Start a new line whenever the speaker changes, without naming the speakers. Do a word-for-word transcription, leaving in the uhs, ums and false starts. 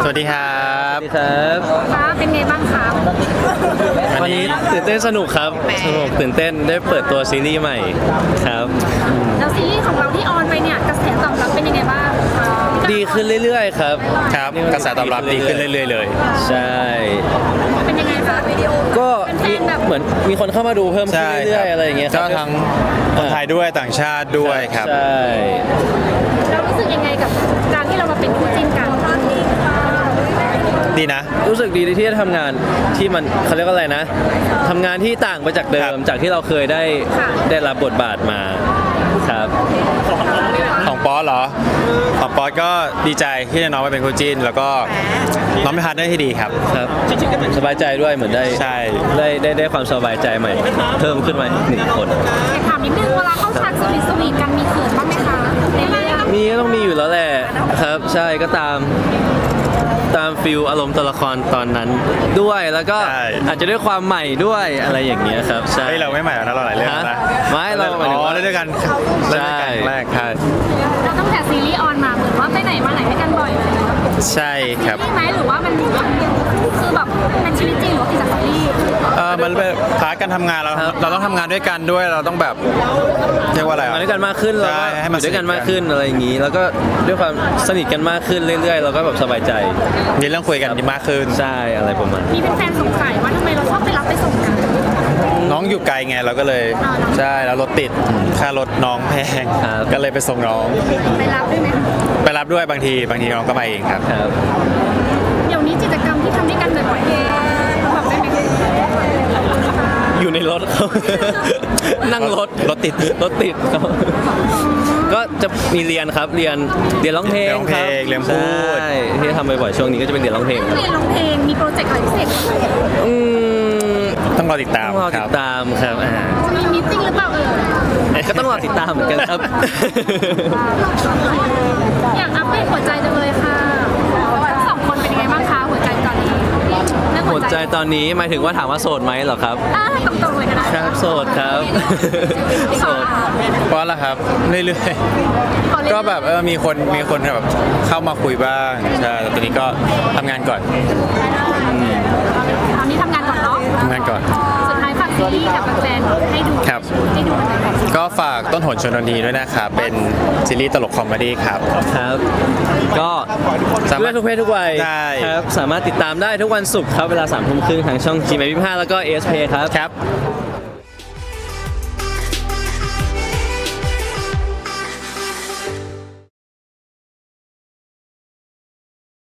วัสดีครับ
สวัสดีครับ
ฟ้าเป็นไงบ้างคะ
วันนี้ตื่นเต้นสนุกครับสนุกตื่นเต้นได้เปิดตัวซีรีส์ใหม่ครับ
แล้วซีรีส์ของเราที่ออนไปเนี่ยกระแสตอบรับเป็นยังไงบ้าง
ดีขึ้นเรื่อยๆครับ
ครับกระแสตอบรับดีขึ้นเรื่อยๆเลย
ใช่
เป็นยังไงคะวิดีโอ
ก็เหมือนมีคนเข้ามาดูเพิ่มขึ้นเรื่อยๆอะไรอย่างเงี้ย
ก็ทั้งคนไทยด้วยต่างชาติด้วยครับ
ใช่
เรารู้สึกยังไงกับการที่เรามาเป็นคู่จิ้นกัน
ดีนะ
รู้สึกดีที่ได้ทำงานที่มันเขาเรียกว่าอะไรนะทำงานที่ต่างไปจากเดิมจากที่เราเคยได้ได้รับบทบาทมาครับ
ของป๊อตเหรอของป๊อตก็ดีใจที่ได้น้องมาเป็นคู่จิ้นแล้วก็น้องเป็นพาร์ทเนอร์ที่ดีครับ
ครับสบายใจด้วยเหมือนได้
ใช่
ได้ได้ได้ความสบายใจใหม่เพิ่มขึ้นมาหนึ่งคน
ถามนิดนึงเวลาเข้าฉากสวีทสวีทกันมีเขินบ้างไหมคะ
มีก็ต้องมีอยู่แล้วแหละครับใช่ก็ตามตามฟิลอารมณ์ตัวละครตอนนั้นด้วยแล้วก็อาจจะด้วยความใหม่ด้วยอะไรอย่างเงี้ยครับใช่
เราไม่ใหม่แล้วนะเราหลายเรื่องนะ
ไม่เรา
อ๋อเล่นด้วยกัน
ใช่
แรกใช่
เราตั้งแต่ซีรีส์ออนมาเหมือนว่าไปไหนมาไหนด้วยกันบ่อยเลย
ใช่ครับ
ซีรีส์ไหมหรือว่ามันคือแบบเป็นชีวิตจริงหรือว่าติดจากซีรีส์
เออมันเป็นพาร์ทการทำงานเราเราต้องทำงานด้วยกันด้วยเราต้องแบบเรียกว่าอะไร
มาด้วยกันมากขึ้นเราก็อยู่ด้วยกันมากขึ้นอะไรอย่างงี้แล้วก็ด้วยความสนิทกันมากขึ้นเรื่อยๆเราก็แบบสบายใจ
มีเรื่องคุยกันมากขึ้น
ใช่อะไรประมาณ
มีเป็นแฟนสงสัยว่าทำไมเราชอบไปรับไปส่งกัน
น้องอยู่ไกลไงเราก็เลยใช่แล้วรถติดค่ารถน้องแพงก็เลยไปส่งน้อง
ไปรับด้วยไหม
ไปรับด้วยบางทีบางทีน้องก็ไปเองครับ
เดี๋ยวนี้กิจกรรมที่ทำด้วยกันบ่อยๆแบบได้ไหม
อยู่ในรถเขานั่งรถ
รถติด
รถติดเขาก็จะมีเรียนครับเรียนเรียนร้องเพลงครับ
เรียนพูด
ที่ทำบ่อยๆช่วงนี้ก็จะเป็นเรียนร้องเพลง
เรียนร้องเพลงมีโปรเจกต์อะไรพิเศษ
อื
มต้องรอติดตาม
ต้องรอติดตามครับอ่า
จะมีมีตติ้งหรือเปล่าเออ
ก็ต้องรอติดตามเหมือนกันครับ
อยากอัปเดตหัวใจจังเลยค่ะทั้งสองคนเป็นยังไงบ้างคะหัวใจตอนนี้
หัวใจตอนนี้หมายถึงว่าถามว่าโสดไหมเหรอครับ
อ่าตรงๆเลยก็ได้
ครับโสดครับโสด
เพราะอะไรครับเรื่อยๆก็แบบเออมีคนมีคนแบบเข้ามาคุยบ้างใช่แต่ตอนนี้ก็ทำงานก่อน
ตอนนี้ทำงานก่อนเนาะ
ทำงานก่อน
สุดท้ายฝากซีรีส์กับแฟนๆให้ดู
ครับ
ให้ดู
ก็ฝากต้นหนชนนีด้วยนะครับเป็นซีรีส์ตลกคอมเมดี้ครับ
ครับก็สามารถทุกเพศทุกวัยครับสามารถติดตามได้ทุกวันศุกร์ครับเวลาสามทุ่มครึ่งทางช่อง จี เอ็ม ยี่สิบห้าแล้วก็ เอ เอส พี ครับ
ครับ